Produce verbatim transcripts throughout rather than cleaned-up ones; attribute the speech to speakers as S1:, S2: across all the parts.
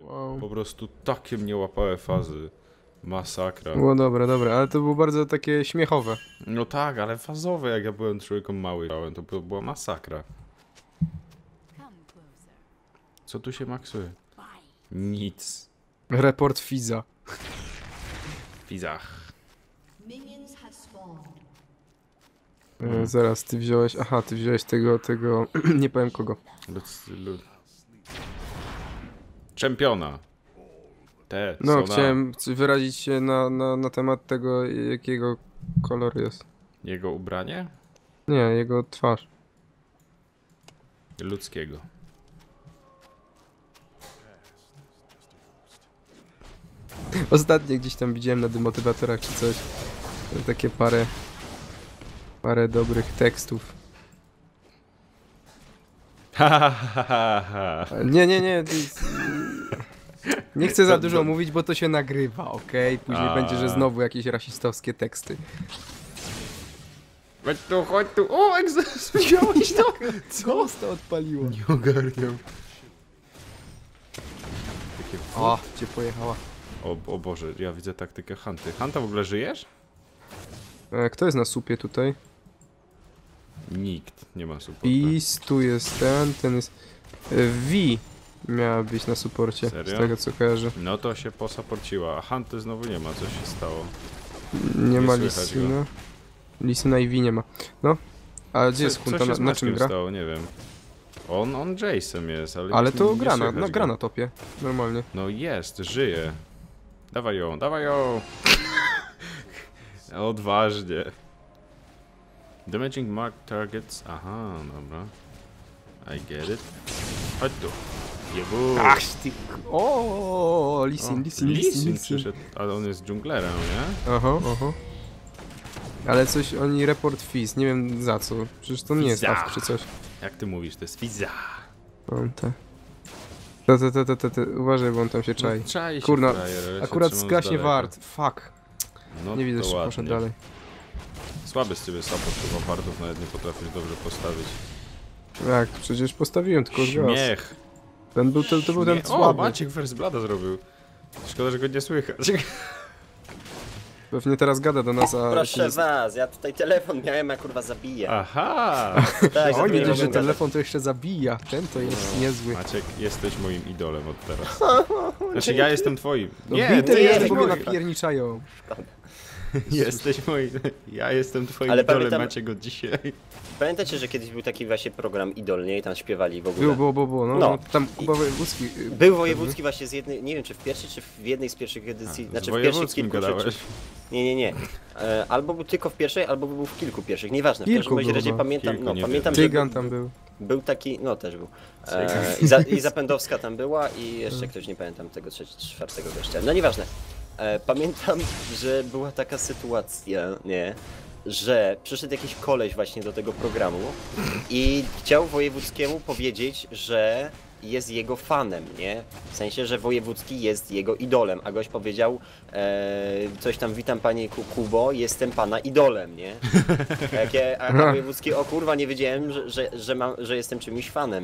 S1: Wow.
S2: Po prostu takie mnie łapały fazy. Masakra.
S1: Było dobre, dobre, ale to było bardzo takie śmiechowe.
S2: No tak, ale fazowe, jak ja byłem człowiekiem mały, to była masakra. Co tu się maksuje? Nic.
S1: Report Fiza.
S2: Fizach.
S1: E, zaraz, ty wziąłeś, aha, ty wziąłeś tego, tego, nie powiem kogo.
S2: Lud, lud. Czempiona. Te,
S1: No,
S2: co
S1: chciałem na... wyrazić się na, na, na temat tego, jakiego kolor jest.
S2: Jego ubranie?
S1: Nie, jego twarz.
S2: Ludzkiego.
S1: Ostatnio gdzieś tam widziałem na demotywatorach czy coś. Takie parę... Parę dobrych tekstów.
S2: Ha, ha, ha, ha.
S1: Nie, nie, nie. Nie chcę za dużo mówić, bo to się nagrywa, okej? Okay? Później
S2: A.
S1: będzie, że znowu jakieś rasistowskie teksty.
S2: Chodź tu, chodź tu. O, egzes, wziąłeś to?
S1: Co to odpaliło?
S2: Nie ogarniam. Takie...
S1: O, gdzie pojechała?
S2: O, o Boże, ja widzę taktykę Hanty. Hanta, w ogóle żyjesz?
S1: E, kto jest na supie tutaj?
S2: Nikt nie ma supportu.
S1: Pis, tu jest ten, ten jest... E, V miała być na suporcie,
S2: Serio?
S1: z tego co kojarzę.
S2: No to się posaporciła, a Hanty znowu nie ma, co się stało?
S1: Nie,
S2: Nie
S1: ma
S2: słychać
S1: Lisyna. Lisyna i V nie ma. No, a gdzie
S2: Co-
S1: jest
S2: co
S1: Hunta?
S2: się
S1: Na,
S2: z
S1: na czym
S2: Maćkiem
S1: gra?
S2: stało? Nie wiem. On, on Jason jest, ale...
S1: Ale
S2: nie-
S1: to
S2: nie
S1: gra na,
S2: słychać
S1: no, gra
S2: go.
S1: na topie, normalnie.
S2: No jest, żyje. Dawaj ją, dawaj ją! Odważnie. Damaging mark targets. Aha, dobra. I get it. Chodź tu. Jebu.
S1: Ach ty... O, Lisin, Lisin, Lisin,
S2: Lisin
S1: Lisin.
S2: przyszedł, ale on jest dżunglerem, nie?
S1: Aha, aha. Ale coś oni report Fizz, nie wiem za co. Przecież to nie jest
S2: Fizza.
S1: awk czy coś.
S2: Jak ty mówisz, to jest Fizza.
S1: On te. Te, te, te, te, te, te. Uważaj, bo on tam się czai.
S2: No, czai się
S1: Kurna,
S2: frajer, ale się
S1: akurat
S2: trzymam z
S1: zgaśnie
S2: daleka.
S1: wart. Fuck.
S2: No
S1: Nie widzę,
S2: to
S1: że
S2: ładnie.
S1: poszedł dalej.
S2: Słaby z ciebie support, chyba wardów nawet nie potrafisz dobrze postawić.
S1: Jak? Przecież postawiłem tylko zgas.
S2: Śmiech.
S1: Ten był, to, to był ten
S2: Śmiech. O,
S1: słaby.
S2: Maciek First Blooda zrobił. Szkoda, że go nie słychać.
S1: Pewnie teraz gada do nas, a...
S3: Proszę
S1: się...
S3: was, ja tutaj telefon miałem, a kurwa zabiję.
S2: Aha!
S3: Tak,
S1: O, nie
S3: zabiję,
S1: dość, że
S3: mogę gadać.
S1: telefon to jeszcze zabija. Ten to jest niezły.
S2: Maciek, jesteś moim idolem od teraz. Znaczy, ja jestem twoim.
S1: No
S2: Nie,
S1: bity
S2: ty
S3: nie,
S1: jest,
S2: jesteś
S1: bo mnie
S2: moim.
S1: napierniczają.
S2: Jesteś moim. Ja jestem twoim
S3: Ale
S2: idolem,
S3: pamiętam-
S2: Maciek, od dzisiaj.
S3: Pamiętacie, że kiedyś był taki właśnie program Idol, nie? I tam śpiewali w ogóle.
S1: Było, było, było, było. No,
S3: No.
S1: no. Tam Kuba Wojewódzki. y,
S3: Był wojewódzki właśnie z jednej, nie wiem czy w pierwszej, czy w jednej z pierwszych edycji,
S2: Z
S3: znaczy w pierwszych
S2: wojewódzkim
S3: kilku, czy,
S2: gadałeś.
S3: czy, nie, nie, nie. E, albo był tylko w pierwszej, albo był w kilku pierwszych, nieważne. W
S1: Kilku
S3: każdym razie
S1: było,
S3: razie
S1: no.
S3: pamiętam,
S2: Kilku,
S3: no,
S2: nie
S3: pamiętam, że
S1: Tygan
S3: był,
S1: tam był.
S3: był taki, no też był. E, i, za, I Zapędowska tam była i jeszcze ktoś, nie pamiętam tego trzeciego, czwartego gościa. No nieważne. E, pamiętam, że była taka sytuacja, nie? Że przyszedł jakiś koleś właśnie do tego programu i chciał Wojewódzkiemu powiedzieć, że jest jego fanem, nie? W sensie, że Wojewódzki jest jego idolem, a gość powiedział e, coś tam, witam panie Ku- Kubo, jestem pana idolem, nie? A, jakie, a, a Wojewódzki, o kurwa, nie wiedziałem, że, że, że, mam, że jestem czymś fanem.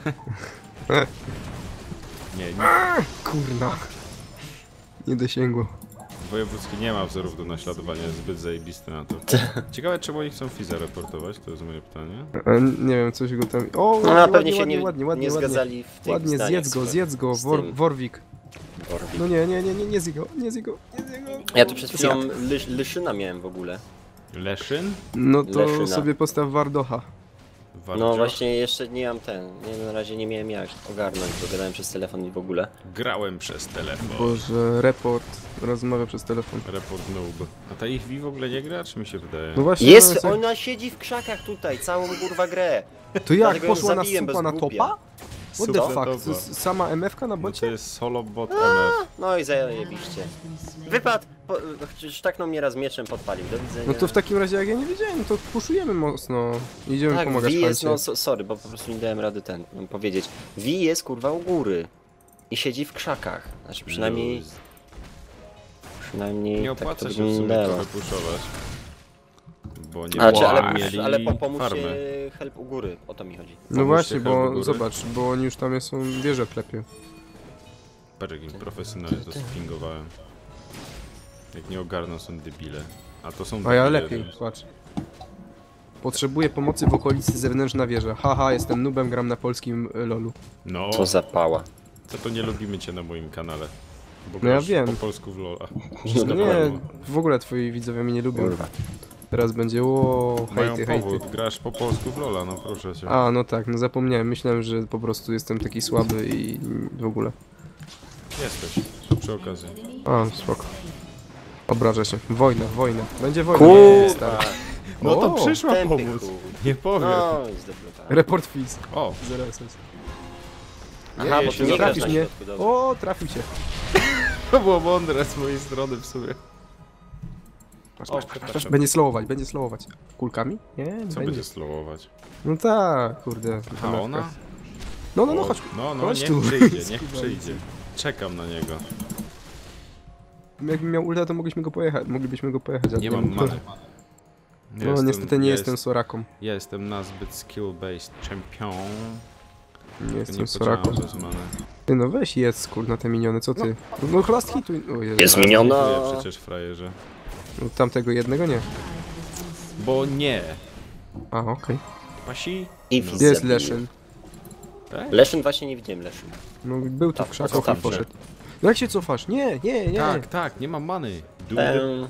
S2: Nie, nie.
S1: Kurna. Nie dosięgło.
S2: Wojewódzki nie ma wzorów do naśladowania, jest zbyt zajebisty na to. Ciekawe, czemu oni chcą Fiza reportować, to jest moje pytanie.
S1: E, Nie wiem, coś go tam... O,
S3: No,
S1: ładnie,
S3: pewnie
S1: ładnie,
S3: się
S1: ładnie,
S3: nie,
S1: ładnie, ładnie,
S3: nie
S1: ładnie.
S3: zgadzali w tych
S1: Ładnie,
S3: zdaniach
S1: zjedz go,
S3: swoich.
S1: zjedz go,
S3: z
S1: Wor
S3: tym.
S1: Warwick.
S3: Warwick.
S1: No nie, nie, nie, nie, nie zjedz go, nie zjedz go, nie zjedz go.
S3: Ja tu przed chwilą lysz, Lyszyna miałem w ogóle.
S2: Leszyn?
S1: No to
S3: Leszyna.
S1: sobie postaw Wardocha.
S2: Wardzio?
S3: No właśnie, jeszcze nie mam ten, nie, na razie nie miałem jak ogarnąć, bo gadałem przez telefon i w ogóle.
S2: Grałem przez telefon.
S1: Boże, report rozmawia przez telefon.
S2: Report noob. A ta ich V w ogóle nie gra, czy mi się wydaje?
S1: No właśnie,
S3: Jest,
S1: no,
S3: ona siedzi w krzakach tutaj, całą kurwa grę.
S1: to jak,
S3: dlatego ją
S1: poszła na
S3: zabiłem
S1: supa
S3: bez
S1: na
S3: głupia.
S1: topa? What the
S2: Supa
S1: fuck,
S2: topa.
S1: to jest sama M F ka na
S2: No to
S1: bocie?
S2: jest solo bot M F.
S3: No i zajebiście. Wypadł, po, sztaknął mnie raz mieczem, podpalił, do widzenia.
S1: No to w takim razie jak ja nie wiedziałem, no to puszujemy mocno. Idziemy
S3: tak,
S1: pomagać
S3: V jest,
S1: Pancie.
S3: no so, sorry, bo po prostu nie dałem rady ten, um, powiedzieć. V jest kurwa u góry. I siedzi w krzakach. Znaczy przynajmniej,
S2: Luz.
S3: przynajmniej
S2: Nie
S3: tak to
S2: opłaca się w sumie
S3: wyglądało.
S2: trochę puszować. Bo nie
S3: Znaczy, ale,
S2: będą mieli
S3: ale po, pomóżcie
S2: farmy.
S3: help u góry, o to mi chodzi.
S1: No
S2: Pomóżcie
S1: właśnie,
S2: help do
S1: bo
S2: góry.
S1: zobacz, bo oni już tam są wieże klepie.
S2: Patrz jakim profesjonalnie to spingowałem. Jak nie ogarną są debile. A to są
S1: A ja
S2: debile,
S1: lepiej,
S2: więc-
S1: patrz. Potrzebuję pomocy w okolicy zewnętrzna wieża. Haha, jestem nubem, gram na polskim y, lolu.
S2: No,
S3: Co za pała.
S2: co to nie lubimy cię na moim kanale. Bo
S1: No ja
S2: grasz
S1: wiem.
S2: po polsku w LoL'a.
S1: No nie, w ogóle twoi widzowie mnie nie lubią.
S3: Kurwa.
S1: Teraz będzie o
S2: Mają
S1: hejty, hejty.
S2: powód, grasz po polsku w LoL'a, no proszę cię.
S1: A, no tak, no zapomniałem. Myślałem, że po prostu jestem taki słaby i w ogóle.
S2: Jesteś, to przy okazji.
S1: A, spoko. Obrażę się. Wojna, wojna. Będzie wojna.
S3: Kurwa.
S1: stary.
S2: No to
S1: O,
S2: przyszła
S3: tępy
S2: pomóc.
S3: chuj.
S2: Nie powiem.
S3: No, i zdeblokowałem.
S1: Report fizz.
S2: O,
S1: Zaraz jest.
S3: Aha,
S2: nie,
S3: bo
S2: się
S3: ty nie grasz
S1: Trafisz
S3: na
S1: mnie.
S3: środku, dobra.
S1: O, trafił cię.
S2: to było mądre z mojej strony w sumie.
S1: Masz,
S2: O,
S1: masz, masz, masz.
S2: przepraszam.
S1: Będzie slowować, będzie slowować. Kulkami? Nie,
S2: Co
S1: będzie.
S2: będzie slowować?
S1: No tak, kurde.
S2: A ona?
S1: No, no, no,
S2: O,
S1: chodź.
S2: No, no,
S1: chodź
S2: niech
S1: tu.
S2: przyjdzie, niech przyjdzie. Czekam na niego.
S1: Jakbym miał ulta, to mogliśmy go pojechać. Moglibyśmy go pojechać. ale
S2: Nie mam many.
S1: No, niestety nie jestem Soraką.
S2: Ja jestem nazbyt skill-based champion.
S1: Nie
S2: Nie
S1: jestem Soraką.
S2: podziałam bez many.
S1: Ty no weź jedz, kurna, te miniony, co ty? No last hituj. O Jezu.
S3: Jest
S2: Ale
S3: miniona.
S2: dziękuję przecież frajerze.
S1: No, tamtego jednego nie.
S2: Bo nie.
S1: A, okej.
S2: Pasi?
S3: I
S2: No.
S3: fizz
S1: Jest
S3: zabiję.
S1: Leszyn.
S2: Tak?
S3: Leszyn właśnie nie widziałem, Leszyn.
S1: No był tu
S3: Tak,
S1: w krzakach i
S3: zostawcie.
S1: poszedł. No jak się cofasz? Nie, nie, nie.
S2: Tak, tak, nie mam many. Dude.
S3: Ehm,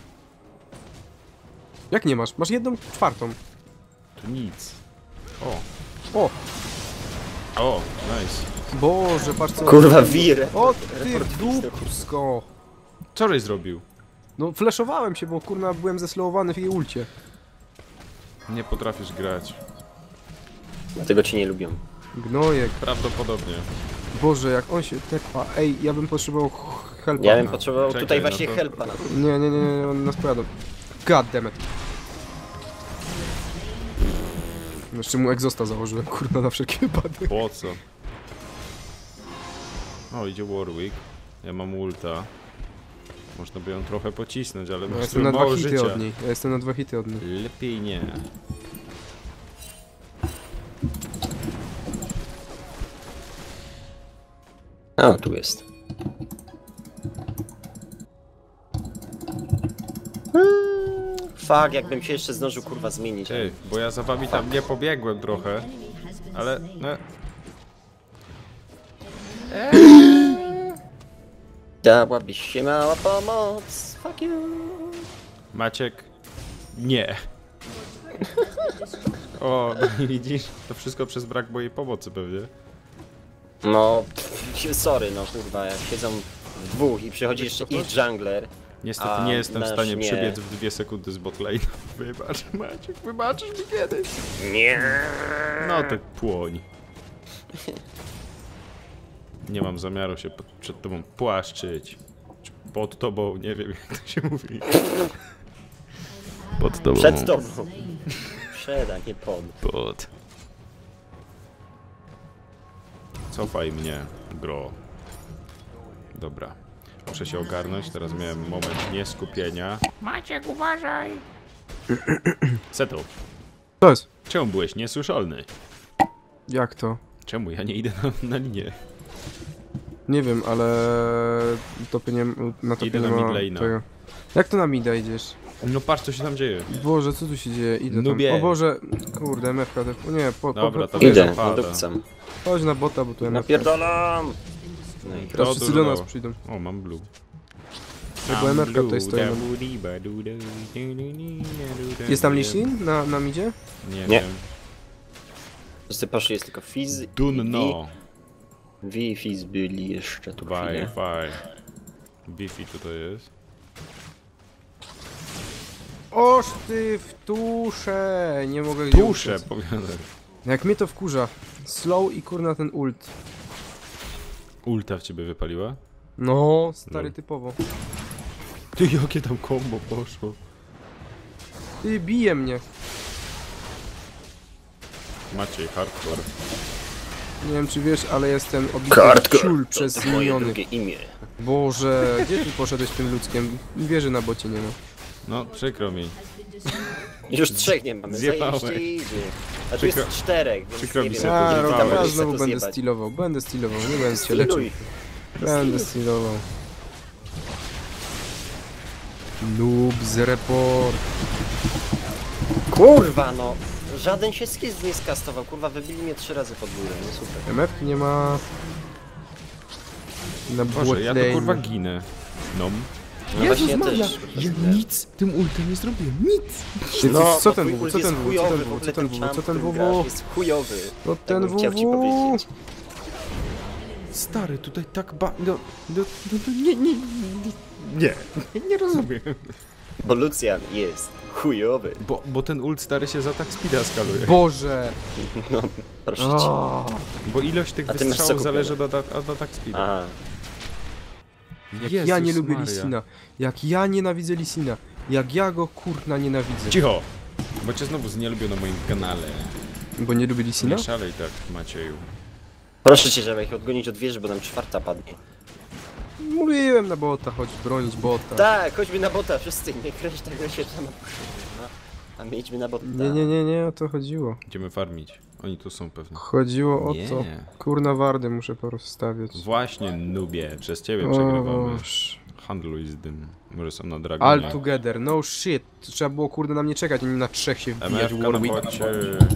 S1: Jak nie masz? Masz jedną czwartą.
S2: To nic. O.
S1: O,
S2: O, nice.
S1: Boże, patrz co...
S3: kurwa, wir.
S1: O ty
S3: Report fizz,
S1: dupsko.
S2: Co żeś zrobił?
S1: No flashowałem się, bo kurna byłem zeslowowany w jej ulcie.
S2: Nie potrafisz grać.
S3: Dlatego cię nie lubią.
S1: Gnojek.
S2: Prawdopodobnie.
S1: Boże, jak on się tepa. Ej, ja bym potrzebował ch- helpa.
S3: Ja bym potrzebował
S2: Czekaj,
S3: tutaj
S2: no
S3: właśnie
S2: to-
S3: helpa na
S1: Nie, nie, nie, nie, on nas pojadą. God damn it. Jeszcze mu egzosta założyłem, kurna, na wszelki wypadek.
S2: Po co? O, idzie Warwick. Ja mam ulta. Można by ją trochę pocisnąć, ale
S1: Ja
S2: masz
S1: jestem na dwa
S2: mało
S1: hity
S2: życia.
S1: od niej. Ja jestem na dwa hity od niej.
S2: Lepiej nie.
S3: A, tu jest. Fuck, jakbym się jeszcze zdążył kurwa zmienić.
S2: Ej, bo ja za wami tam nie pobiegłem trochę. Ale, no,
S3: Dałabyś się mała pomoc. Fuck you.
S2: Maciek, nie. O, no i widzisz? To wszystko przez brak mojej pomocy pewnie.
S3: No, pff, sorry, no kurwa, jak siedzą w dwóch i przychodzi jeszcze ich jungler.
S2: Niestety
S3: A
S2: nie jestem w
S3: nasz
S2: stanie
S3: nie.
S2: przebiec w dwie sekundy z botlane. Wybacz, Maciek, wybaczysz mi kiedyś.
S3: Nie.
S2: No to płoń. Nie mam zamiaru się pod, przed tobą płaszczyć. Czy pod tobą, nie wiem jak to się mówi. Pod tobą.
S3: Przed tobą. Przed, a nie pod.
S2: Pod. Cofaj mnie, bro. Dobra. Muszę się ogarnąć, teraz miałem moment nieskupienia. Maciek, uważaj! Settle.
S1: To jest.
S2: Czemu byłeś niesłyszalny?
S1: Jak to?
S2: Czemu ja nie idę na, na linię?
S1: Nie wiem, ale... Topie nie... Na topie
S2: Idę
S1: nie
S2: na
S1: ma
S2: mid lane'a.
S1: tego. Jak to na mida idziesz?
S2: No patrz co się tam dzieje.
S1: Boże, co tu się dzieje? Idę
S2: Nubie.
S1: tam. O Boże, kurde, M F K. O nie, po,
S2: Dobra,
S1: po,
S2: to
S1: po,
S3: Idę,
S2: zapada.
S3: nadupcam.
S1: chodź na bota, bo tu M F K.
S3: Napierdolam! No i
S1: Teraz
S2: To
S1: wszyscy
S2: dużo
S1: do nas
S2: dało.
S1: przyjdą.
S2: O, mam blue.
S1: Bo M F K tutaj stoi. Jest tam Lishin na, na midzie?
S2: Nie,
S3: Nie.
S2: wiem.
S3: wszyscy poszli, jest tylko Fizz.
S2: Dunno.
S3: Wi i Fizz byli jeszcze tu
S2: Faj,
S3: chwilę.
S2: faj. Biffy tutaj jest.
S1: Oż ty w tusze! Nie mogę gdzie
S2: Tusze,
S1: uciec.
S2: powiadaj.
S1: Jak mnie to wkurza. Slow i kurna ten ult.
S2: Ulta w ciebie wypaliła?
S1: No, stary
S2: No.
S1: typowo.
S2: Ty, jakie tam combo poszło.
S1: Ty, bije mnie.
S2: Maciej, hardcore.
S1: Nie wiem czy wiesz, ale jestem obity
S3: Hardcore.
S1: ciul
S3: To
S1: przez
S3: moje
S1: miniony.
S3: drugie imię.
S1: Boże, gdzie ty poszedłeś tym ludzkiem? Wieży na bocie nie ma.
S2: No, przykro mi.
S3: Już trzech nie mamy,
S2: Zjebałeś.
S3: zajebiście idzie. A tu jest
S2: Przykro-
S3: czterech, więc
S2: przykro
S3: nie
S2: mi
S3: wiem,
S2: się
S3: jak
S2: to
S1: A,
S3: to
S2: zjebało.
S1: no,
S3: tam
S1: ja
S3: robić,
S1: znowu
S3: to
S1: będę
S3: zjebać.
S1: stylował, będę stylował, nie będę cię leczył.
S3: Styluj.
S1: Będę stylował. Noobs report.
S3: Kurwa no! Żaden się skill nie skastował, kurwa wybili mnie trzy razy pod górę, no super.
S1: M F nie ma... Na
S2: Boże, ja to
S1: botlane.
S2: kurwa ginę. No.
S3: No właśnie ja
S1: Maria,
S3: też.
S1: ja nic tym ultem nie zrobiłem, nic! Ty,
S3: No,
S1: co
S3: bo
S1: ten
S3: twój
S1: W W?
S3: ult
S1: Co
S3: jest
S1: ten W W? Co
S3: chujowy,
S1: ten
S3: w
S1: W W?
S3: ogóle
S1: Co ten W W?
S3: champ,
S1: Co ten
S3: którym
S1: W
S3: grasz,
S1: W?
S3: jest chujowy.
S1: No
S3: Tak
S1: ten
S3: bym chciał ci
S1: W W.
S3: powiedzieć.
S1: Stary, tutaj tak ba... No, no, no, no nie, nie, nie, nie, nie rozumiem.
S3: Bo Lucian jest chujowy.
S2: Bo, bo ten ult stary się za tak speeda skaluje.
S1: Boże!
S3: No, proszę cię.
S1: O,
S2: Bo ilość tych
S3: A ty masz co
S2: wystrzałów
S3: kupione?
S2: zależy od, od, od atak speeda.
S3: Aha.
S1: jak
S2: Jezus
S1: ja nie lubię
S2: Maria.
S1: Lisina. Jak ja nienawidzę Lisina. Jak ja go kurna nienawidzę.
S2: Cicho! Bo cię znowu nie lubią na moim kanale.
S1: Bo nie lubię Lisina?
S2: Nie szalej tak, Macieju.
S3: Proszę cię, żeby ich odgonić od wieży, bo nam czwarta padnie.
S1: Mówiłem na bota, chodź bronić bota.
S3: Tak, chodźmy na bota, wszyscy, nie kręć tego się tam. No. A my idźmy na bota.
S1: Nie, nie, nie, nie, o to chodziło.
S2: Idziemy farmić. Oni tu są pewnie.
S1: Chodziło o
S2: Nie.
S1: to. Kurna wardy muszę porozstawiać.
S2: Właśnie, nubie. Przez ciebie przegrywamy.
S1: Oż.
S2: Handluj z tym. Może są na dragonie.
S1: All together, no shit. Trzeba było kurde na mnie czekać, a nie na trzech się wbijać
S2: M F
S1: w
S2: na
S1: Warwick.
S2: bocie.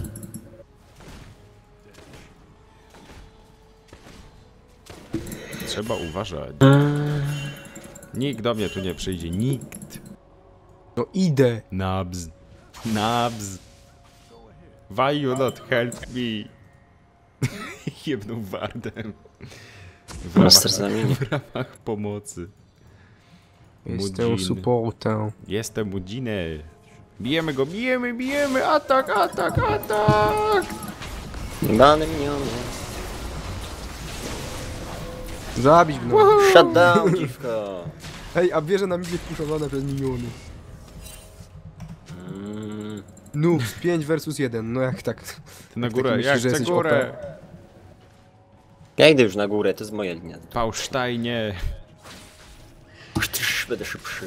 S2: Trzeba uważać. Nikt do mnie tu nie przyjdzie. Nikt.
S1: No idę.
S2: Nabz. Nabz. Why you not help me? Jebnął wardem. W
S3: Master z
S2: ramach,
S3: nami nie.
S2: w ramach pomocy.
S1: Jestem
S2: Mudzin.
S1: supportem.
S2: Jestem Mudzinę. Bijemy go, bijemy, bijemy! Atak, atak, atak!
S3: Bany miniony.
S1: Zabić go.
S3: Shutdown, dziwko.
S1: Ej, a bierze nam idzie puszowane przez miniony.
S3: Mm.
S1: Noobs, pięć versus jeden, no jak tak?
S2: Ty na
S1: Jak
S2: górę,
S1: taki
S2: jak
S1: myślisz, że
S2: chcę
S1: jesteś
S2: górę!
S3: Ja idę już na górę, to jest moja linia.
S2: Pałsztajnie!
S3: Będę szybszy.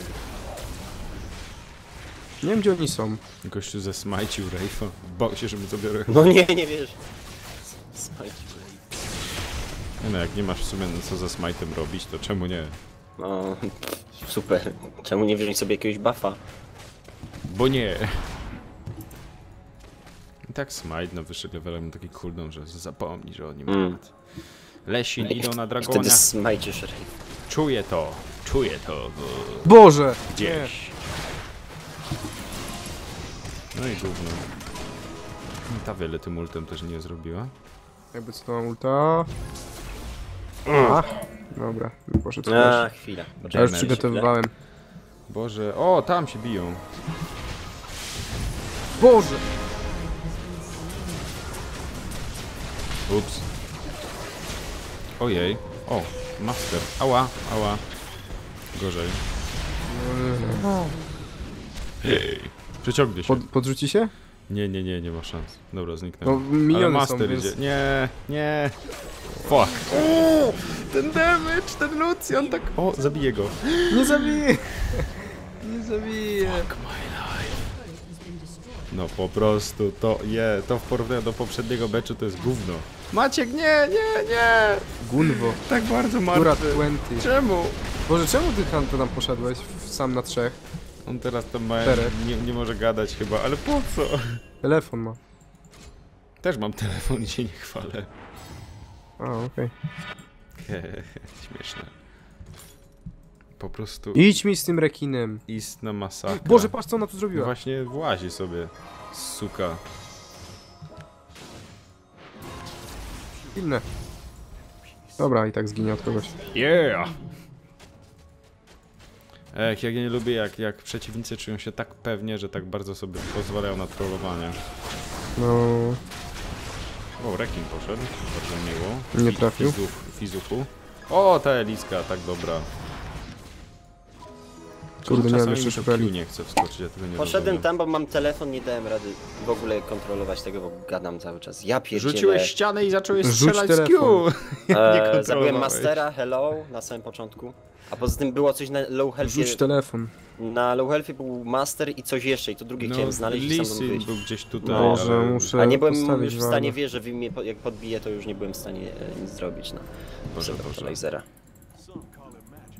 S1: Nie wiem gdzie oni są.
S2: Gościu zesmajcił Rejfa. Bał się, że mu zabiorę.
S3: No nie, nie wiesz. Smajcie.
S2: Nie no, jak nie masz w sumie co ze smajtem robić, to czemu nie?
S3: No, super. Czemu nie wziąć sobie jakiegoś buffa?
S2: Bo nie! I tak smite na wyższych levelach ma taki cooldown, że zapomni, że oni
S3: Mm.
S2: mają. Lesin idą na
S3: I wtedy
S2: dragonia.
S3: smajciesz Ray.
S2: Czuję to, czuję to w...
S1: Boże!
S2: gdzieś. No i gówno. Ta wiele tym ultem też nie zrobiła.
S1: Nie. Jakby co to mam ulta? A, dobra, poszedł
S3: A,
S1: też.
S3: chwila.
S1: Ja już
S2: James.
S1: przygotowywałem.
S2: Boże, o tam się biją.
S1: Boże!
S2: Ups. Ojej. O, master. Ała, ała. Gorzej. Hej. Przeciągnie się.
S1: Pod, podrzuci się?
S2: Nie, nie, nie, nie ma szans. Dobra,
S1: No
S2: zniknęło.
S1: miniony
S2: Ale
S1: są,
S2: master
S1: więc...
S2: idzie. Nie, nie. Fuck. O, ten damage, ten Lucian tak... O, zabiję go.
S1: Nie zabiję! Nie zabiję!
S2: No po prostu to je, to w porównaniu do poprzedniego meczu to jest gówno. Maciek, nie, nie, nie!
S1: Gunwo.
S2: Tak bardzo
S1: Góra
S2: martwy.
S1: dwadzieścia.
S2: Czemu?
S1: Boże, czemu ty tam, tam poszedłeś? W- Sam na trzech?
S2: On teraz tam ma,
S1: Czterech.
S2: nie, nie może gadać chyba, ale po co?
S1: Telefon ma.
S2: Też mam telefon i się nie chwalę.
S1: A, okej.
S2: Śmieszne. Po prostu
S1: Idź mi z tym rekinem.
S2: istna masakra.
S1: Boże, patrz co ona tu
S2: No
S1: zrobiła.
S2: właśnie włazi sobie, suka.
S1: Inne. Dobra, i tak zginie od kogoś.
S2: Yeah! Ech, jak ja nie lubię, jak, jak przeciwnicy czują się tak pewnie, że tak bardzo sobie pozwalają na trollowanie.
S1: No...
S2: O, rekin poszedł, bardzo miło.
S1: Nie
S2: Fi-
S1: trafił.
S2: Fizuf, fizuchu. O, ta Eliska, tak dobra.
S1: Kurde, nie mam
S2: Czasami
S1: jeszcze
S2: mi to
S1: szpeli.
S2: Q nie chce wskoczyć, ja tego nie
S3: Poszedłem
S2: rozumiem.
S3: tam, bo mam telefon, nie dałem rady w ogóle kontrolować tego, bo gadam cały czas. Ja pierdzielę.
S2: Rzuciłeś ścianę i zacząłeś
S1: Rzuć
S2: strzelać z Q!
S1: telefon.
S2: nie
S3: E, zabiłem
S2: kontrolowałeś.
S3: Mastera, hello, na samym początku. A poza tym było coś na low healthie.
S1: Rzuć telefon.
S3: Na low healthie był Master i coś jeszcze i to drugie
S2: No,
S3: chciałem znaleźć i sam
S2: Lisin
S3: wyjść.
S2: był gdzieś tutaj,
S1: Boże,
S2: ale...
S1: muszę
S3: A nie byłem
S1: postawić
S3: już w stanie
S1: walę.
S3: wierzyć, że wy mnie po- jak podbiję, to już nie byłem w stanie e, nic zrobić. No.
S2: Boże,
S3: Przepraszam,
S2: Boże.
S3: lasera.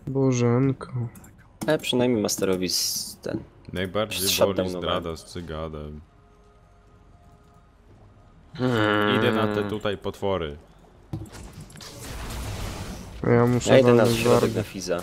S1: Bożenko.
S3: Ale przynajmniej Masterowi z ten...
S2: Najbardziej
S3: Shutdown
S2: boli
S3: nowa.
S2: zdrada z cygadem.
S3: Hmm.
S2: Idę na te tutaj potwory.
S1: Ja muszę
S3: Ja idę na
S1: walnąć
S3: środek
S1: wargę.
S3: na Fiza.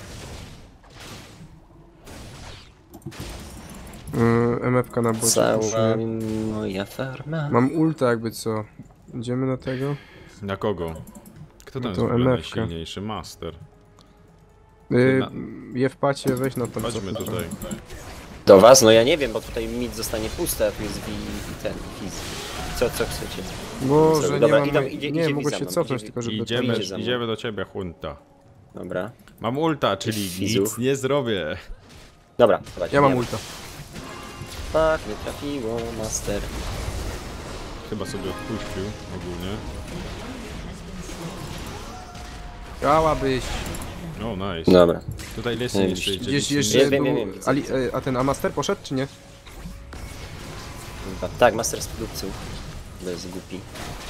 S1: Yy, M F ka na bocie.
S3: Cała
S1: proszę.
S3: moja farma.
S1: Mam ulta jakby co. Idziemy na tego?
S2: Na kogo? Kto tam
S1: To
S2: jest w ogóle
S1: M F ka.
S2: najsilniejszy? Master.
S1: Yy,
S2: Na-
S1: je w pacie, weź na tam
S2: Chodźmy
S1: co
S2: tutaj.
S3: Do was? No ja nie wiem, bo tutaj mid zostanie pusty, a tu jest V i ten, i Fiz. Co, co chcecie?
S1: Boże, nie
S3: Dobra,
S1: mam...
S3: idą- idzie-
S1: nie,
S3: idzie
S1: mogę
S3: Wiza
S1: się
S3: mam,
S1: cofnąć,
S3: idzie-
S1: tylko żeby...
S2: Idziemy,
S3: idzie za mną.
S2: idziemy do ciebie, Hunta.
S3: Dobra.
S2: Mam ulta, czyli
S3: Fizu.
S2: nic nie zrobię.
S3: Dobra, dawajcie.
S1: Ja mam
S3: bijemy.
S1: ulta.
S3: Tak, nie trafiło, Master.
S2: Chyba sobie odpuścił ogólnie.
S1: Chciałabyś.
S2: O, nice.
S3: Dobra.
S2: Tutaj Leslie
S3: Nie,
S2: jeszcze idzie.
S1: Gdzieś
S2: nic nie-
S1: jeszcze
S3: Nie wiem,
S1: był...
S3: nie wiem, widzę,
S1: Ali,
S3: widzę.
S1: e, a ten Amaster poszedł, czy nie?
S3: Dobra. Tak, Master z produkcją. To jest głupi.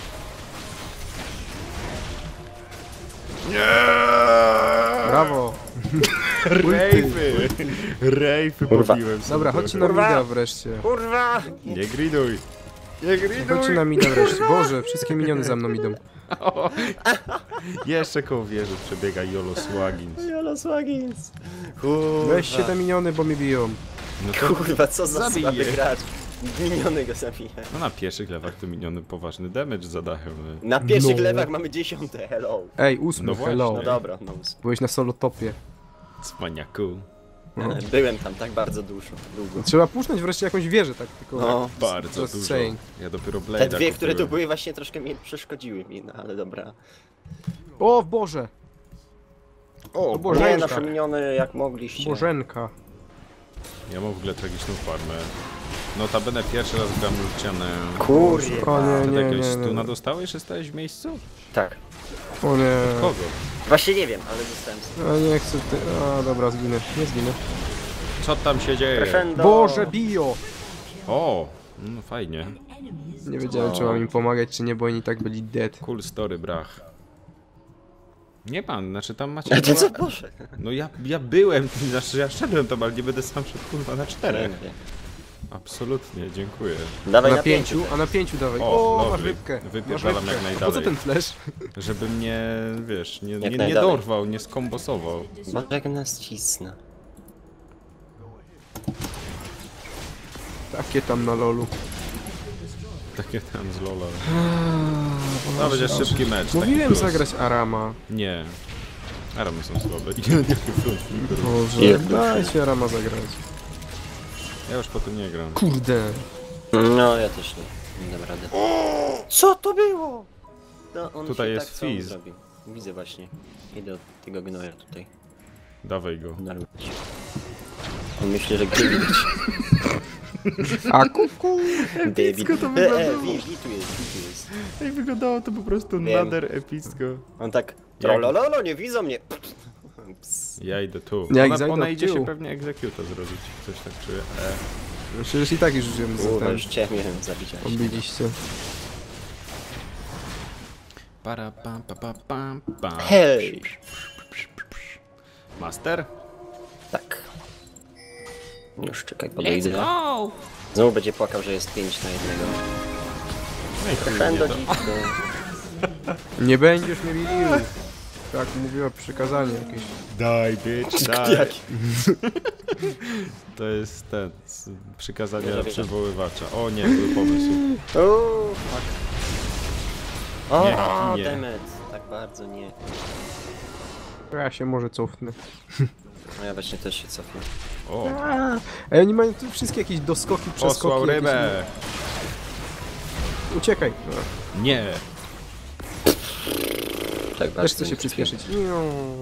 S1: Brawo!
S2: Rejfy! Rejfy
S3: Kurwa.
S2: pobiłem sobie
S1: Dobra, chodźcie na
S2: trochę.
S1: mida wreszcie.
S3: Kurwa!
S2: Nie griduj! Nie griduj!
S1: Chodźcie na mida wreszcie. Boże, wszystkie miniony za mną idą.
S2: Jeszcze koło wieży przebiega Jolo Swaggins.
S3: Jolo Swaggins! Kurwa.
S1: Weźcie te miniony, bo mnie biją.
S2: No to
S3: Kurwa, co za
S2: Zabij
S3: słaby
S2: je.
S3: gracz. Miniony go zabije.
S2: no na pierwszych lewach to miniony poważny damage zadają. no.
S3: Na pierwszych
S1: No.
S3: lewach mamy dziesiąte, hello.
S1: Ej, ósmy,
S2: No właśnie.
S1: hello.
S3: No dobra, no.
S1: Byłeś na solo topie.
S2: Cwaniaku.
S3: Byłem tam tak bardzo dużo, długo.
S1: Trzeba puszczać wreszcie jakąś wieżę, tak tylko.
S3: No.
S2: Bardzo
S1: Just
S2: dużo.
S1: saying.
S2: Ja dopiero Blade'a
S3: Te dwie, które tu
S2: kupiłem.
S3: były właśnie troszkę mi przeszkodziły mi, no ale dobra.
S1: O Boże!
S2: O,
S1: To było
S3: Nie,
S1: Bożenka.
S3: nasze miniony jak mogliście.
S1: Bożenka.
S2: ja mam w ogóle tragiczną farmę. Notabene pierwszy raz gram Lucianem.
S3: Kurwa.
S1: O nie,
S2: Ty
S1: nie,
S2: jakiegoś
S1: nie, nie.
S2: stuna dostałeś, że stałeś w miejscu?
S3: Tak.
S1: O nie.
S2: Kogo?
S3: Właśnie nie wiem, ale dostałem sobie.
S1: Ja nie chcę ty... A dobra, zginę. Nie zginę.
S2: Co tam się dzieje?
S3: Crescendo.
S1: Boże, bio!
S2: O, no fajnie.
S1: Nie wiedziałem, czy mam im pomagać, czy nie, bo oni i tak byli dead.
S2: Cool story, brach. Nie pan, znaczy tam macie...
S3: A ty co
S2: dwa-
S3: poszedł?
S2: No ja, ja byłem, znaczy ja szedłem tam, ale nie będę sam szedł kurwa na czterech. Absolutnie, dziękuję.
S3: Dawaj
S1: Na
S3: na
S1: pięciu,
S3: pięciu.
S1: a na pięciu dawaj.
S2: O,
S1: O, masz
S2: lovely.
S1: rybkę.
S2: Wypierdalam
S1: Masz rybkę.
S2: jak
S1: A po co
S2: najdalej.
S1: ten flash?
S2: Żeby mnie, wiesz, nie, nie, nie
S3: najdalej.
S2: dorwał, nie skombosował.
S3: Boże, jak nas cisna.
S1: Takie tam na lolu.
S2: Takie tam z Lola. No będzie szybki mecz. taki
S1: Mówiłem
S2: plus.
S1: zagrać Arama.
S2: Nie. Aramy są słabe. I nie front flipper.
S1: Boże,
S3: Jedno.
S1: dajcie Arama zagrać.
S2: Ja już po tym nie gram.
S1: Kurde.
S3: No, ja też nie. Nie dam rady. Co to było? No, on
S2: Tutaj
S3: się
S2: jest
S3: tak sam
S2: Fizz.
S3: zrobił. Widzę właśnie. Idę od tego gnoja tutaj.
S2: Dawaj go.
S3: Narwać. On myśli, że gdzie widać.
S1: A kuku.
S3: David.
S2: to
S3: E,
S2: wyglądało.
S3: e, wi, wi tu jest, wi tu jest.
S2: Ej, wyglądało to po prostu
S3: Wiem.
S2: nader epicko.
S3: On tak, trolololo, nie widzą mnie. Ps.
S2: Ja idę tu.
S1: Jak
S2: Ona,
S1: zajdę
S2: ona
S1: od
S2: idzie
S1: tyłu.
S2: się pewnie egzekuta zrobić. Coś tak czuję. E.
S1: Przecież i tak już żyjemy za
S3: Kurwa,
S1: ten.
S3: już cię miałem zabić. ale się-
S1: Obiliście.
S2: Para pam pa pa pam pam.
S3: Hej!
S2: Master?
S3: Tak. Już czekaj, podejdę. Znowu będzie płakał, że jest pięć na jednego.
S2: No i chuj mnie
S3: Crescendo
S2: to.
S3: dziwko.
S1: Nie będziesz mnie bił. Tak mówiła przykazanie jakieś.
S2: Daj, bitch, daj.
S3: Jaki?
S2: To jest ten, z przykazania
S3: Wierzę, wierzę.
S2: przywoływacza. O nie, był pomysł.
S3: Uuu, fuck. O,
S2: Nie, nie.
S3: demet. Tak bardzo nie.
S1: Ja się może cofnę.
S3: No ja właśnie też się cofnę.
S2: O,
S1: Ej, oni mają tu wszystkie jakieś doskoki, przeskoki.
S2: posłał
S1: jakieś-
S2: rybę.
S1: Uciekaj.
S2: Nie.
S3: Tak
S1: Też
S3: bardzo
S1: chcę
S3: nie
S1: się
S3: cofnę.
S1: przyspieszyć. Niu.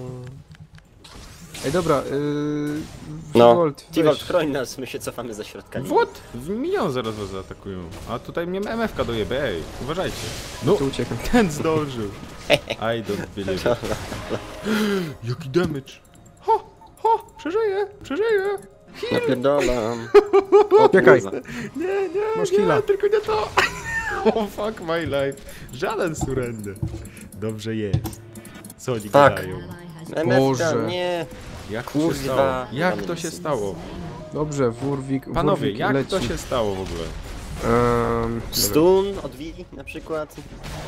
S1: Ej, dobra. Yy...
S3: No,
S1: Volt,
S3: T-Volt,
S1: weź.
S3: chroń nas, my się cofamy za środka.
S2: What? Minion zaraz was zaatakują. A tutaj mnie M F ka dojebie, ej, uważajcie. No,
S1: Tu uciekam.
S2: ten zdążył. I don't believe it. Jaki damage. Ho, ho, przeżyję, przeżyję.
S3: Napierdolam.
S1: Uciekaj.
S3: kurwa.
S2: Nie, nie,
S1: Masz
S2: nie,
S1: killa.
S2: tylko nie to. Oh fuck my life. Żaden surrender. Dobrze jest. Co oni gadają?
S3: M F K,
S1: Boże.
S3: nie.
S2: Jak to się
S3: Kurwa.
S2: stało? Jak to się stało?
S1: Dobrze, Wurwik...
S2: Panowie,
S1: Wurwik
S2: jak
S1: leci.
S2: to się stało w ogóle?
S1: Um,
S3: Stun od Wii na przykład.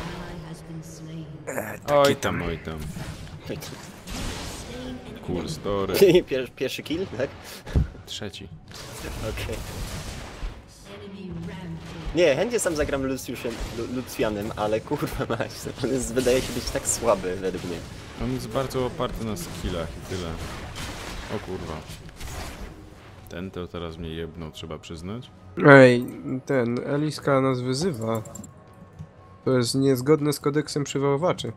S2: Oj tam, oj tam. Cool story.
S3: Pier, pierwszy kill, tak?
S2: Trzeci.
S3: Okej. Nie, chętnie sam zagram Luciusem, Lu- Lucjanem, ale kurwa mać, on jest, wydaje się być tak słaby według mnie.
S2: On jest bardzo oparty na skillach i tyle. O kurwa. Ten to teraz mnie jebnął, trzeba przyznać.
S1: Ej, ten, Eliska nas wyzywa. To jest niezgodne z kodeksem przywoływaczy.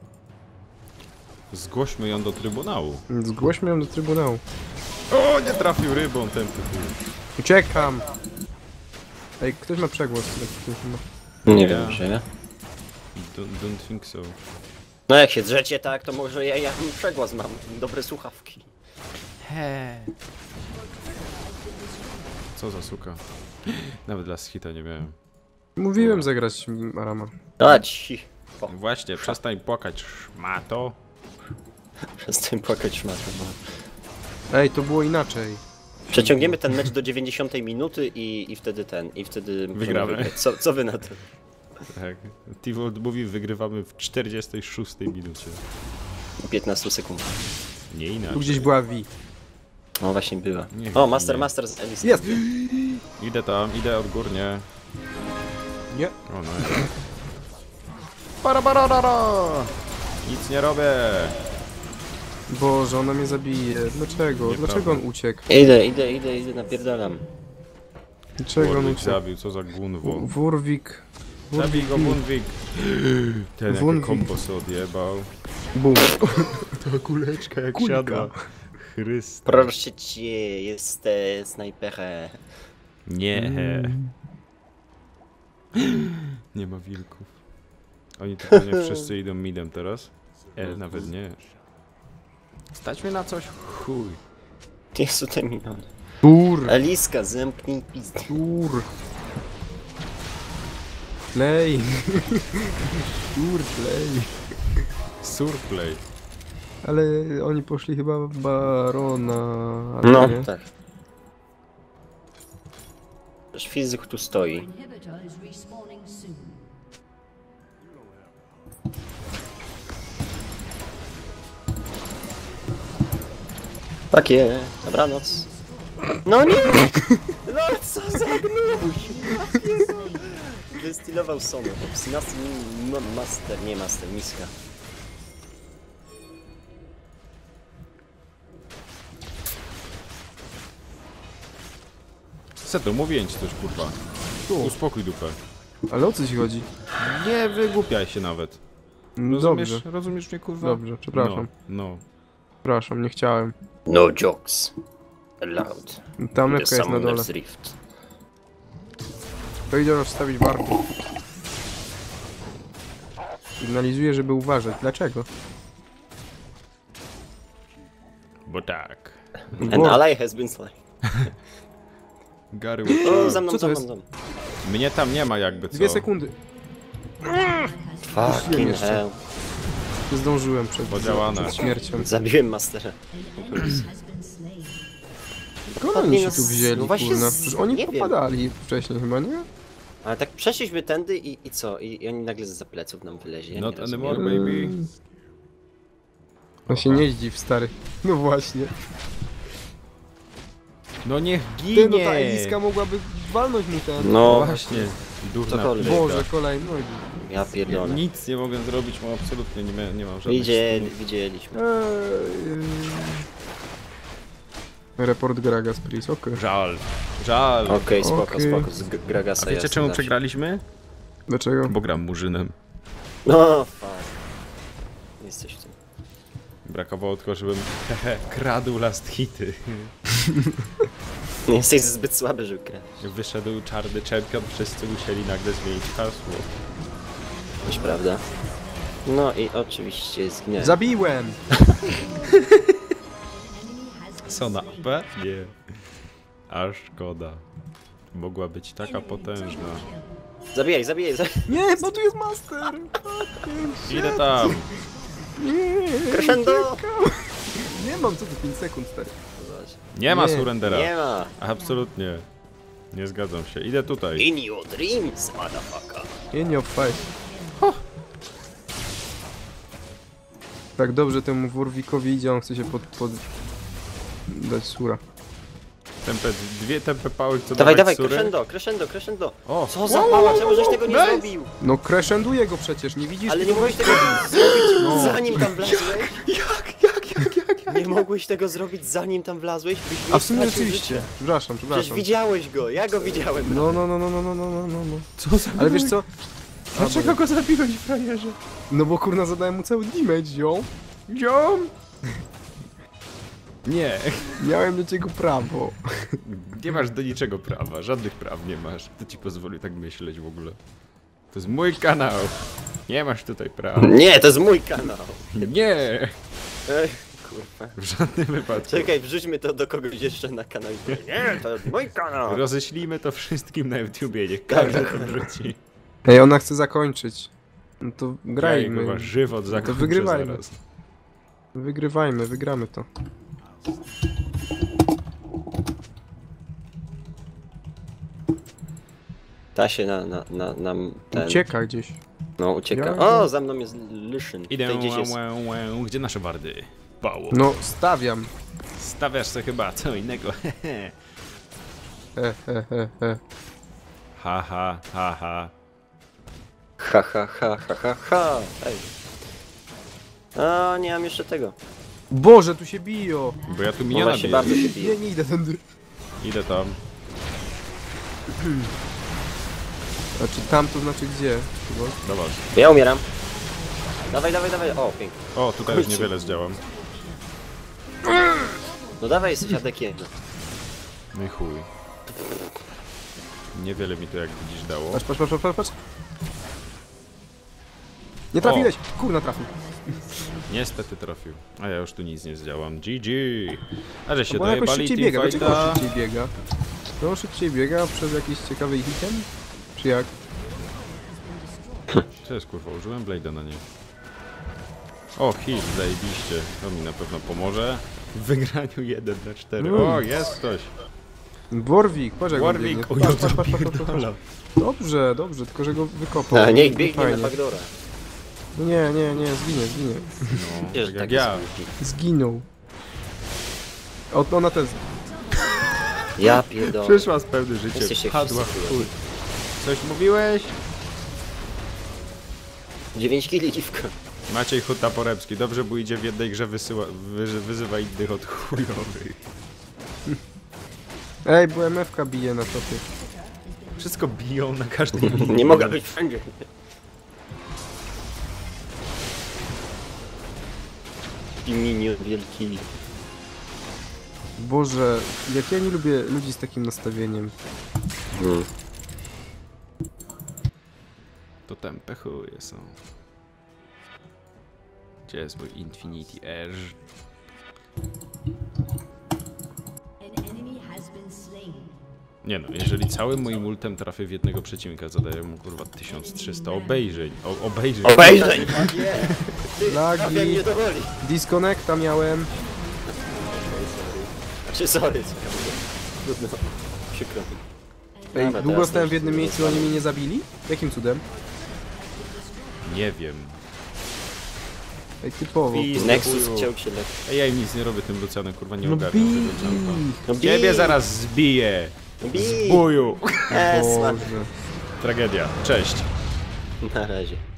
S2: Zgłośmy ją do trybunału.
S1: Zgłośmy ją do trybunału.
S2: O, nie trafił rybą ten tytuł.
S1: Uciekam! Ej, ktoś ma przegłos.
S3: Nie
S2: Ja.
S3: wiem, że...
S2: Don't, don't think so.
S3: No jak się drzecie tak, to może ja, ja przegłos mam, dobre słuchawki.
S2: He. Co za suka. Nawet dla schita nie miałem.
S1: Mówiłem zagrać Arama.
S3: A ci. O,
S2: Właśnie, przestań płakać, szmato.
S3: przestań płakać szmatą.
S1: Ej, to było inaczej.
S3: Przeciągniemy ten mecz do dziewięćdziesiątej minuty i, i wtedy ten, i wtedy... możemy
S2: Wygramy.
S3: wygrać. Co, co wy na to?
S2: Tak. T-Volt mówi, wygrywamy w czterdziestej szóstej minucie.
S3: piętnaście sekund.
S2: Nie
S1: Tu
S2: inaczej.
S1: gdzieś była Vi.
S3: No właśnie była.
S2: Nie
S3: O,
S2: wiem,
S3: Master,
S2: nie.
S3: Master z Elis.
S1: Jest!
S2: Idę tam, idę odgórnie.
S1: Nie.
S2: O no. Para, para, para. Nic nie robię.
S1: Boże, ona mnie zabije. Dlaczego?
S2: Nieprawda.
S1: Dlaczego on uciekł?
S3: Idę, idę, idę, idę, napierdalam.
S1: Dlaczego on
S2: Wurwik
S1: uciekł?
S2: zabił, co za gunwo.
S1: Wurwik.
S2: Zabij go, Wunwik. Ten jakie
S1: Wunwik.
S2: kombo sobie odjebał.
S1: Bum.
S2: Ta kuleczka jak
S1: Kulka.
S2: siadła. Chryste.
S3: Proszę cię, jest e, snajperę.
S2: Nie.
S1: Mm.
S2: Nie ma wilków. Oni tu pewnie wszyscy idą midem teraz. E, nawet nie. Stać mnie na coś? Chuj.
S3: Jezu, te miliony.
S1: Tur.
S3: Eliska, zamknij pizdę.
S1: Tur. Play. Tur, play.
S2: Surplay.
S1: Ale oni poszli chyba w Barona. ale
S3: No,
S1: nie.
S3: tak. Też fizyk tu stoi.
S4: Inhibitor is respawning soon.
S3: Takie, dobranoc. No nie! No co za gnuś! Wystylował Sony. Obstinasty master, nie master, miska.
S2: Seto, mówię ci coś, kurwa.
S1: Tu.
S2: Uspokój dupę.
S1: Ale o co ci chodzi?
S2: Nie wygłupiaj się nawet.
S1: No
S2: Rozumiesz,
S1: dobrze,
S2: rozumiesz mnie, kurwa?
S1: dobrze, przepraszam.
S2: No, no.
S1: Przepraszam, nie chciałem.
S3: No jokes. Allowed.
S1: Tam
S3: The
S1: lepka jest na dole.
S3: Summoner's Rift.
S1: To idę rozstawić warty. Sygnalizuję, żeby uważać. Dlaczego?
S2: Bo tak.
S3: An ally has been slain.
S2: Gary
S3: O, za mną,
S1: Co to
S3: za mną,
S1: jest?
S3: za mną.
S2: Mnie tam nie ma jakby co.
S1: Dwie sekundy.
S3: Fucking
S1: jeszcze.
S3: hell.
S1: Nie zdążyłem przed,
S2: Podziałane.
S1: przed śmiercią.
S3: Zabiłem mastera.
S1: Skąd oni się
S3: no,
S1: tu wzięli,
S3: no właśnie
S1: kurna?
S3: z-
S1: Przecież oni
S3: nie wiem.
S1: popadali wcześniej chyba, nie?
S3: Ale tak przeszliśmy tędy i, i co? I, I oni nagle za pleców nam wyleźli. Ja
S2: Not
S3: nie rozumiem.
S2: anymore, baby.
S1: On się nie zdziw, stary. No właśnie.
S2: No niech
S1: Ty, no ta
S2: ginie!
S1: Eliska mogłaby walnąć mu ten.
S3: No,
S2: Właśnie. Durna
S3: Cokolwiek.
S2: playka.
S1: Boże, kolejny. No,
S3: ja pierdolę.
S2: Nic nie mogę zrobić, bo absolutnie nie, mia- nie mam żadnych
S3: Widzieli,
S2: stunów.
S3: widzieliśmy.
S1: Eee, Report Gragas, please, okej.
S2: Żal. Żal.
S3: Okej, spoko,
S1: Okej.
S3: spoko. Z G- Gragasa
S2: A wiecie
S3: jasne
S2: czemu
S3: da się.
S2: przegraliśmy?
S1: Dlaczego?
S2: Bo gram murzynem.
S3: No, fuck. Jesteś w tym.
S2: Brakowało tylko, żebym hehe, kradł last hity.
S3: Nie jesteś zbyt słaby, żeby grać.
S2: Wyszedł czarny champion, wszyscy musieli nagle zmienić hasło.
S3: Też prawda. No i oczywiście zginęłem.
S1: Zabiłem!
S2: Co na P? Nie. Aż szkoda. Mogła być taka potężna.
S3: Zabijaj, zabijaj, zabijaj.
S1: Nie, bo tu jest master!
S2: Idę tam!
S3: Crescendo!
S1: Nie mam, co tu pięć sekund, stary.
S3: Zobacz.
S2: Nie ma
S1: Nie.
S2: surrendera.
S3: Nie ma.
S2: Absolutnie. Nie zgadzam się. Idę tutaj.
S3: In your dreams, motherfucker.
S1: Nie, nie obfaj. Tak dobrze temu Warwickowi idzie, on chce się pod... pod... dać sura.
S2: Tempe, dwie tempe pały, co
S3: Dawaj,
S2: dawać
S3: dawaj,
S2: sury.
S3: crescendo, crescendo, crescendo.
S2: O,
S3: Co za pała, czemu żeś tego nie
S2: Nice.
S3: zrobił?
S1: No crescenduje go przecież, nie widzisz?
S3: Ale nie mogłeś tego zrobić zanim tam wlazłeś?
S2: Jak, jak, jak, jak, jak?
S3: Nie mogłeś tego zrobić zanim tam wlazłeś? Byś
S1: A
S3: nie
S1: w sumie
S3: stracił
S1: rzeczywiście.
S3: życia.
S1: Przepraszam,
S3: Przecież
S1: przepraszam.
S3: widziałeś go, ja go widziałem.
S1: No, no, no, no, no, no, no, no, no, no.
S2: Co za
S1: Ale wiesz co?
S2: Dlaczego go zabiłeś, frajerze?
S1: No bo kurna zadałem mu cały damage, ją.
S2: Ziom! Nie,
S1: Miałem do ciebie prawo.
S2: nie masz do niczego prawa, żadnych praw nie masz. Kto ci pozwolił tak myśleć w ogóle? To jest mój kanał. Nie masz tutaj praw.
S3: Nie, to jest mój kanał.
S2: Nie!
S3: Ej, kurwa.
S2: W żadnym wypadku.
S3: Czekaj, wrzućmy to do kogoś jeszcze na kanał. Nie, to jest mój kanał.
S2: Roześlijmy to wszystkim na YouTubie, niech każdy to wrzuci.
S1: Ej, ona chce zakończyć. No to
S2: Grajmy.
S1: grajmy.
S2: Chyba żywot zakończę
S1: wygrywajmy.
S2: zaraz.
S1: Wygrywajmy, wygramy to.
S3: Ta się na, na, na, na ten...
S1: Ucieka gdzieś.
S3: No, ucieka.
S1: Ja-
S3: O, za mną jest Lyszyn.
S2: Idę,
S3: Tutaj gdzieś jest...
S2: łę, łę, łę. Gdzie nasze wardy? Pało.
S1: No, stawiam.
S2: Stawiasz sobie chyba co innego.
S1: He, he, he, he.
S2: Ha, ha, ha, ha.
S3: Ha, ha, ha, ha, ha, ha. Ej. A, nie mam jeszcze tego.
S1: Boże, tu się biją.
S2: Bo ja tu
S3: No
S2: miniona
S3: właśnie
S2: biję.
S3: bardzo się
S1: Nie,
S3: bije.
S1: nie idę tędy.
S2: Idę tam.
S1: Znaczy tam to znaczy gdzie? Chyba.
S2: Zobacz.
S3: Ja umieram. Dawaj, dawaj, dawaj. O, pięknie.
S2: O, tutaj już niewiele zdziałam.
S3: No dawaj, jesteś adekiem.
S2: No i chuj. Niewiele mi to jak widzisz dało.
S1: Patrz, patrz, patrz, patrz, patrz. Nie trafiłeś! Kurna trafił.
S2: Niestety trafił. A ja już tu nic nie zdziałam. G G! A że się
S1: Bo on jakoś
S2: dojebali
S1: szybciej biega. Dlaczego on
S2: teamfighta.
S1: szybciej biega? To on szybciej biega przez jakiś ciekawy item? Czy jak?
S2: Co jest kurwa? Użyłem blade'a na nie. O, heal, zajebiście. To mi na pewno pomoże. W wygraniu jeden na cztery.
S1: Mm.
S2: O, jest ktoś.
S1: Warwick, patrz jak on biegnie.
S2: Warwick, o
S1: Patrz,
S2: ja
S1: patrz, patrz, patrz, patrz, patrz.
S2: pierdolę.
S1: Dobrze, dobrze, tylko że go wykopał.
S3: A, niech biegnie
S1: Fajnie.
S3: na backdoora.
S1: No nie, nie, nie, zginie, zginie.
S2: No,
S3: Wiesz,
S2: tak jak
S3: takie
S2: ja.
S3: smutki.
S1: Zginął. O, ona też.
S3: Ja pierdolę.
S2: Przyszła z pełnym życiem.
S3: Jesteście
S2: Padła w
S3: wszyscy
S2: chuj. Coś mówiłeś?
S3: dziewięć kili dziwka.
S2: Maciej Huta Poremski. Dobrze, bo idzie w jednej grze wysyła, wy, wyzywa innych od chujowych.
S1: Ej, bo M F ka bije na topie.
S2: Wszystko biją na każdym.
S3: Nie mogę być wszędzie. I minion wielki.
S1: Boże, jak ja nie lubię ludzi z takim nastawieniem.
S3: Hmm.
S2: To tempe chuje są. Gdzie jest mój Infinity Edge?
S4: An enemy has been slain.
S2: Nie no, jeżeli całym moim ultem trafię w jednego przeciwnika, zadaję mu kurwa tysiąc trzysta obejrzeń. O, obejrzeń.
S3: Obejrzeń!
S1: Lagi,
S3: Trafiam mnie do woli.
S1: disconnecta miałem.
S3: Czy sorry, co ja mówię. Trudno. Przykro mi.
S1: Ej,
S3: Dobra,
S1: długo
S3: teraz
S1: stałem w
S3: to już
S1: jednym
S3: nie
S1: miejscu, oni mnie nie zabili? Jakim cudem?
S2: Nie wiem.
S1: Ej, typowo.
S2: Pizd-
S3: Nexus
S2: chuju.
S3: chciał się lepiej.
S2: Ej, ja im nic nie robię tym Lucianem, kurwa nie
S1: No
S2: ogarniam
S1: bij
S2: tego czampa.
S1: ich.
S3: No bij!
S2: Ciebie zaraz zbiję!
S3: Bij!
S2: Zbuju!
S3: Esma.
S1: Boże.
S2: Tragedia. Cześć.
S3: Na razie.